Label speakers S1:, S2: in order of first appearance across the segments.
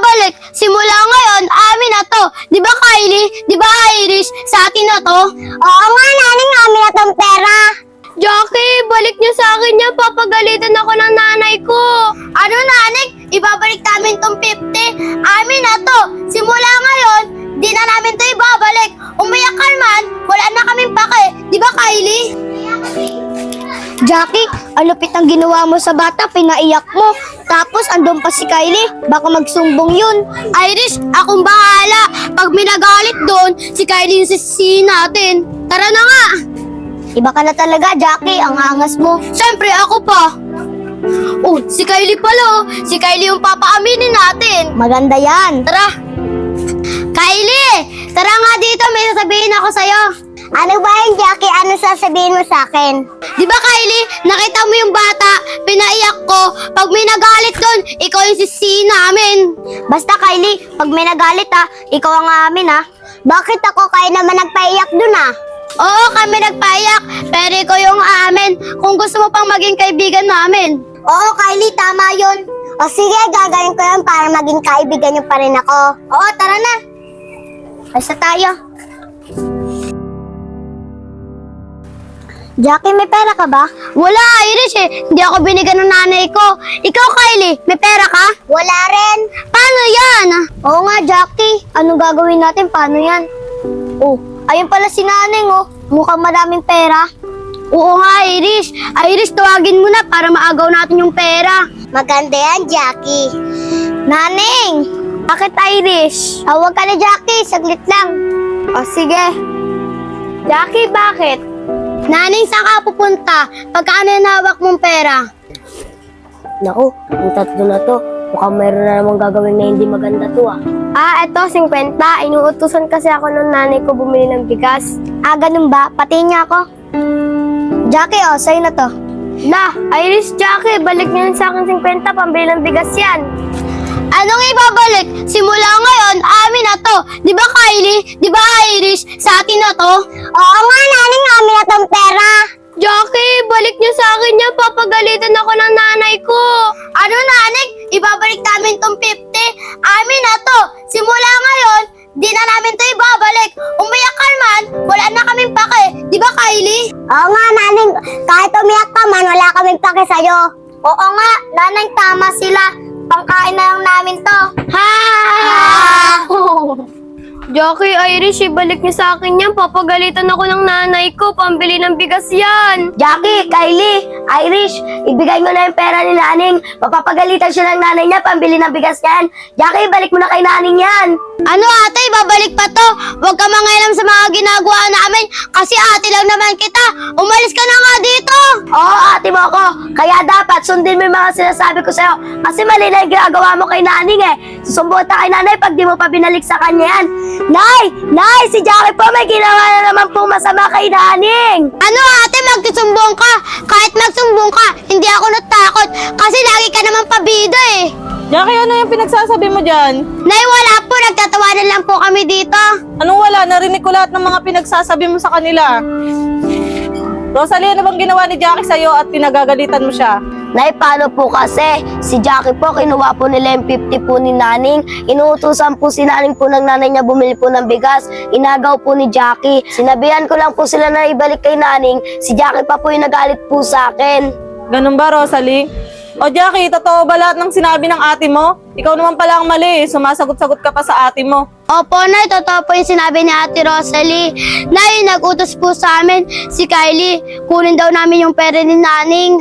S1: ibabalik? Simula ngayon, amin na to. Di ba Kylie? Di ba Irish? Sa atin na to?
S2: Oo nga, naning amin na tong pera.
S1: Jackie, balik niyo sa akin yan. Papagalitan ako ng nanay ko. Ano nanik? Ibabalik namin tong 50. Amin na to. Simula ngayon, di na namin to ibabalik. Umiyak ka man, wala na kaming pake. Di ba Kylie? Jackie, ang lupit ang ginawa mo sa bata, pinaiyak mo. Tapos andun pa si Kylie, baka magsumbong yun. Irish, akong bahala. Pag minagalit doon, si Kylie yung sisisihin natin. Tara na nga. Iba ka na talaga, Jackie, ang angas mo. Siyempre, ako pa. Oh, si Kylie pala oh. Si Kylie yung papaaminin natin.
S2: Maganda yan.
S1: Tara. Kylie, tara nga dito, may sasabihin ako sa'yo.
S2: Ano ba yun, Jackie? Ano sasabihin mo sa akin?
S1: Di ba Kylie, nakita mo yung bata, pinaiyak ko. Pag may nagalit doon, ikaw yung sisihin namin.
S2: Basta, Kylie, pag may nagalit ikaw ang amin Bakit ako kayo naman nagpaiyak dun
S1: Oo, kami nagpaiyak, pero ikaw yung amin kung gusto mo pang maging kaibigan namin.
S2: Oo, Kylie, tama yun. O sige, gagawin ko yun para maging kaibigan niyo pa rin ako. Oo, tara na. Basta tayo. Jackie, may pera ka ba?
S1: Wala, Irish Hindi ako binigyan ng nanay ko. Ikaw, Kylie, may pera ka?
S2: Wala rin.
S1: Paano yan?
S2: Oo nga, Jackie. Anong gagawin natin? Paano yan? Oh, ayun pala si Naneng, Mukhang madaming pera.
S1: Oo nga, Irish. Irish, tawagin mo na para maagaw natin yung pera.
S2: Maganda yan, Jackie. Naneng!
S1: Bakit, Irish?
S2: Tawag ka na, Jackie. Saglit lang.
S1: O, sige. Jackie, bakit? Naning, saan ka pupunta? Pagkaano yung hawak mong pera?
S2: Naku, yung tatlo na to. Mukhang mayroon na namang gagawin na hindi maganda to
S1: Eto, 50. Inuutusan kasi ako ng nanay ko bumili ng bigas.
S2: Ganun ba? Pati niya ako. Jackie, sa'yo na to.
S1: La, Irish, Jackie, balik niyo sa akin 50, pambili ng bigas yan. Anong ibabalik? Simula ngayon, amin na to. Di ba Kylie? Di ba Irish? Sa atin na to?
S2: Oo nga, Naneng, amin na tong pera.
S1: Jackie, balik niyo sa akin yan. Papagalitan ako ng nanay ko. Ano nanay? Ibabalik namin tong 50. Amin na to. Simula ngayon, di na namin to ibabalik. Umiyak ka man, wala na kaming pake. Di ba Kylie?
S2: Oo nga, Naneng, kahit umiyak ka man, wala kaming pake sa'yo.
S1: Oo nga, nanay, tama sila. Pangkain na lang namin to. Ha! Jackie, Irish, ibalik niyo sa akin yan. Papagalitan ako ng nanay ko. Pambili ng bigas yan.
S2: Jackie, Kylie, Irish, ibigay mo na yung pera ni Naneng. Mapapagalitan siya ng nanay niya, pambili ng bigas yan. Jackie, balik mo na kay Naneng yan.
S1: Ano ate, babalik pa to? Huwag ka mangailam sa mga ginagawa namin. Kasi ate lang naman kita. Umalis ka na nga dito.
S2: Oo, ate mo ako. Kaya dapat sundin mo yung mga sinasabi ko sa'yo. Kasi mali na yung ginagawa mo kay Naneng Susumbot ka kay nanay pag di mo pa binalik sa kanya yan. Nay! Nay! Si Jackie po may ginawa na naman po masama kay Naneng.
S1: Ano ate, magsusumbong ka. Kahit magsumbong ka, hindi ako natakot. Kasi lagi ka naman pabida
S3: Jackie, ano yung pinagsasabi mo dyan?
S1: Nay, wala po. Nagtatawanan lang po kami dito.
S3: Anong wala? Narinig ko lahat ng mga pinagsasabi mo sa kanila. Rosalie, ano bang ginawa ni Jackie sa'yo at pinagagalitan mo siya?
S2: Nay, paano po kasi? Si Jackie po, kinuha po nila yung 50 po ni Naneng. Inuutusan po si Naneng po ng nanay niya bumili po ng bigas. Inagaw po ni Jackie. Sinabihan ko lang po sila na ibalik kay Naneng. Si Jackie pa po yung nagalit po sa akin.
S3: Ganun ba, Rosalie? O Jackie, totoo ba lahat ng sinabi ng ate mo? Ikaw naman pala ang mali. Sumasagot-sagot ka pa sa ate mo.
S1: Opo, Nay. Totoo po yung sinabi ni Ate Rosalie. Nay, nag-utos po sa amin si Kylie. Kunin daw namin yung pera ni Naning.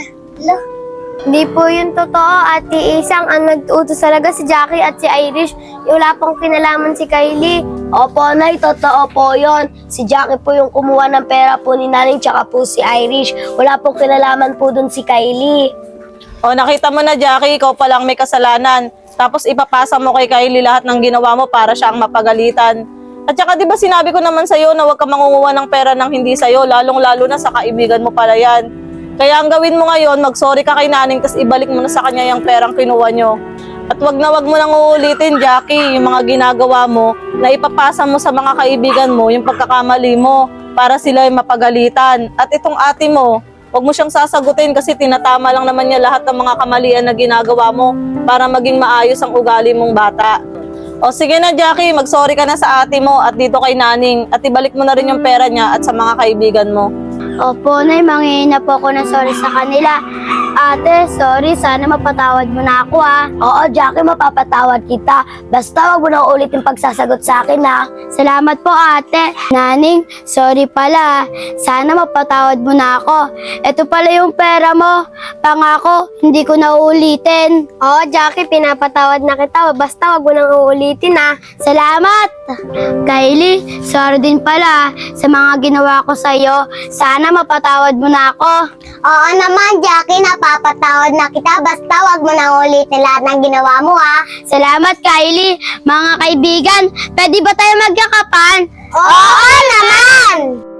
S1: Hindi po yun totoo. Ate Isang, ang nag-utos talaga si Jackie at si Irish. Wala pong kinalaman si Kylie.
S2: Opo, Nay, totoo po yon. Si Jackie po yung kumuha ng pera po ni Naneng tsaka po si Irish. Wala pong kinalaman po dun si Kylie.
S3: O nakita mo na, Jackie, ikaw palang may kasalanan. Tapos ipapasa mo kay Kylie lahat ng ginawa mo para siya ang mapagalitan. At saka di ba sinabi ko naman sa'yo na huwag ka mangunguha ng pera ng hindi sa'yo, lalong-lalo na sa kaibigan mo pala yan. Kaya ang gawin mo ngayon, mag-sorry ka kay Naneng tapos ibalik mo na sa kanya yung perang kinuha nyo. At wag mo nang uulitin, Jackie, yung mga ginagawa mo na ipapasa mo sa mga kaibigan mo, yung pagkakamali mo para sila ay mapagalitan. At itong ate mo, wag mo siyang sasagutin kasi tinatama lang naman niya lahat ng mga kamalian na ginagawa mo para maging maayos ang ugali mong bata. O sige na Jackie, mag-sorry ka na sa ate mo at dito kay Naning at ibalik mo na rin yung pera niya at sa mga kaibigan mo.
S1: Opo, Nay, manghihingi na po ako ng sorry sa kanila. Ate, sorry, sana mapatawad mo na ako ha.
S2: Oo, Jackie, mapapatawad kita. Basta wag mo na ulit yung pagsasagot sa akin, ha?
S1: Salamat po ate. Naning, sorry pala. Sana mapatawad mo na ako. Ito pala yung pera mo. Pangako, hindi ko na uulitin. Oo, Jackie, pinapatawad na kita. Basta wag mo nang uulitin ha. Salamat! Kylie, sorry din pala sa mga ginawa ko sa'yo. Sana mapatawad mo na ako.
S4: Oo naman, Jackie, napapatawad na kita. Basta wag mo nang ulitin lahat ng ginawa mo, ha?
S1: Salamat, Kylie. Mga kaibigan, pwede ba tayo magkakapan?
S4: Oo naman!